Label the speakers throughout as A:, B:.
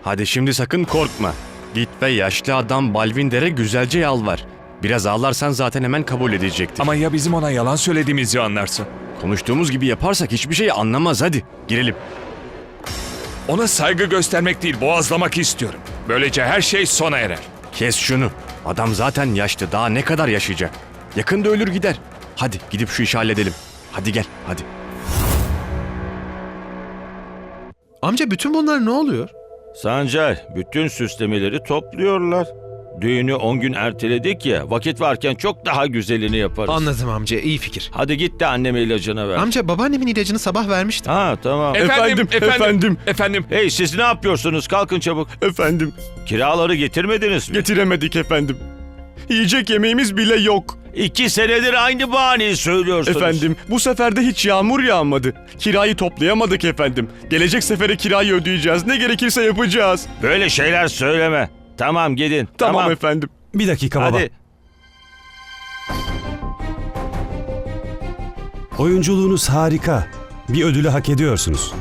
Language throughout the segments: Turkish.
A: Hadi şimdi sakın korkma. Git ve yaşlı adam Balvinder'e güzelce yalvar. Biraz ağlarsan zaten hemen kabul edecektir.
B: Ama ya bizim ona yalan söylediğimizi anlarsa?
A: Konuştuğumuz gibi yaparsak hiçbir şey anlamaz, hadi girelim.
B: Ona saygı göstermek değil, boğazlamak istiyorum. Böylece her şey sona erer.
A: Kes şunu. Adam zaten yaşlı, daha ne kadar yaşayacak? Yakında ölür gider. Hadi gidip şu işi halledelim. Hadi gel, hadi.
C: Amca bütün bunlar ne oluyor?
D: Sancar, bütün süslemeleri topluyorlar. Düğünü 10 gün erteledik ya, vakit varken çok daha güzelini yaparız.
C: Anladım amca, iyi fikir.
D: Hadi git de anneme ilacını ver.
C: Amca babaannemin ilacını sabah vermiştim.
D: Ha tamam.
B: Efendim.
D: Hey siz ne yapıyorsunuz? Kalkın çabuk.
A: Efendim,
D: Kiraları getirmediniz mi?
A: getiremedik efendim. Yiyecek yemeğimiz bile yok.
D: 2 senedir aynı bahaneyi söylüyorsunuz.
A: Efendim, bu sefer de hiç yağmur yağmadı. Kirayı toplayamadık efendim. Gelecek sefere kirayı ödeyeceğiz. Ne gerekirse yapacağız.
D: Böyle şeyler söyleme. Tamam gidin.
A: Tamam efendim.
E: Bir dakika baba.
D: Hadi.
E: Oyunculuğunuz harika. Bir ödülü hak ediyorsunuz.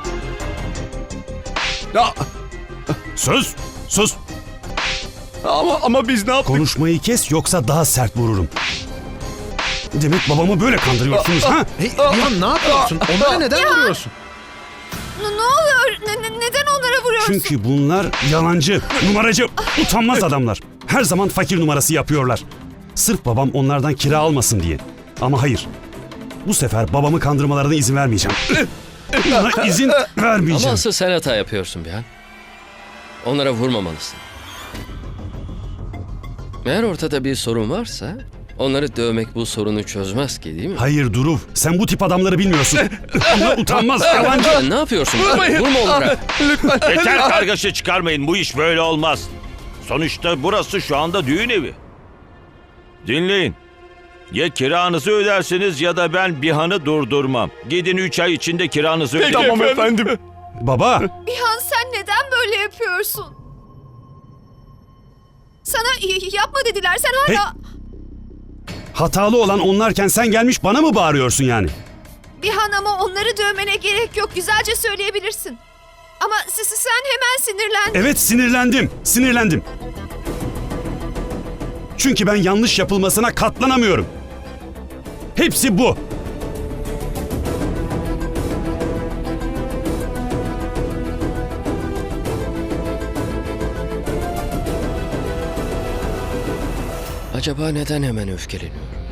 D: Sus. Sus.
A: Ama biz ne yaptık?
E: Konuşmayı kes yoksa daha sert vururum. Demek babamı böyle kandırıyorsunuz ha?
C: Hey, Rihan ne yapıyorsun? Onlara neden vuruyorsun?
F: Ne oluyor? Neden onlara vuruyorsun?
E: Çünkü bunlar yalancı, numaracı, utanmaz adamlar. Her zaman fakir numarası yapıyorlar. Sırf babam onlardan kira almasın diye. Ama hayır. Bu sefer babamı kandırmalarına izin vermeyeceğim. Buna izin
G: Ama
E: vermeyeceğim.
G: asıl sen hata yapıyorsun Bihan. Onlara vurmamalısın. Eğer ortada bir sorun varsa onları dövmek bu sorunu çözmez ki, değil mi?
E: Hayır Duruv, sen bu tip adamları bilmiyorsun. Bunlar utanmaz, yalancı.
G: Sen ne yapıyorsun? Vurma onlara.
D: Yeter kargaşa çıkarmayın. Bu iş böyle olmaz. Sonuçta burası şu anda düğün evi. Dinleyin. Ya kiranızı ödersiniz ya da ben Bihan'ı durdurmam. Gidin 3 ay içinde kiranızı ödeyin.
A: Tamam efendim.
E: Baba,
F: Bihan sen neden böyle yapıyorsun? Sana yapma dediler. Sen hala...
E: hatalı olan onlarken sen gelmiş bana mı bağırıyorsun yani?
F: Bihan ama onları dövmene gerek yok. Güzelce söyleyebilirsin. Ama sen hemen sinirlendin.
E: Evet sinirlendim. Çünkü ben yanlış yapılmasına katlanamıyorum. Hepsi bu.
G: Acaba neden hemen öfkeleniyorum?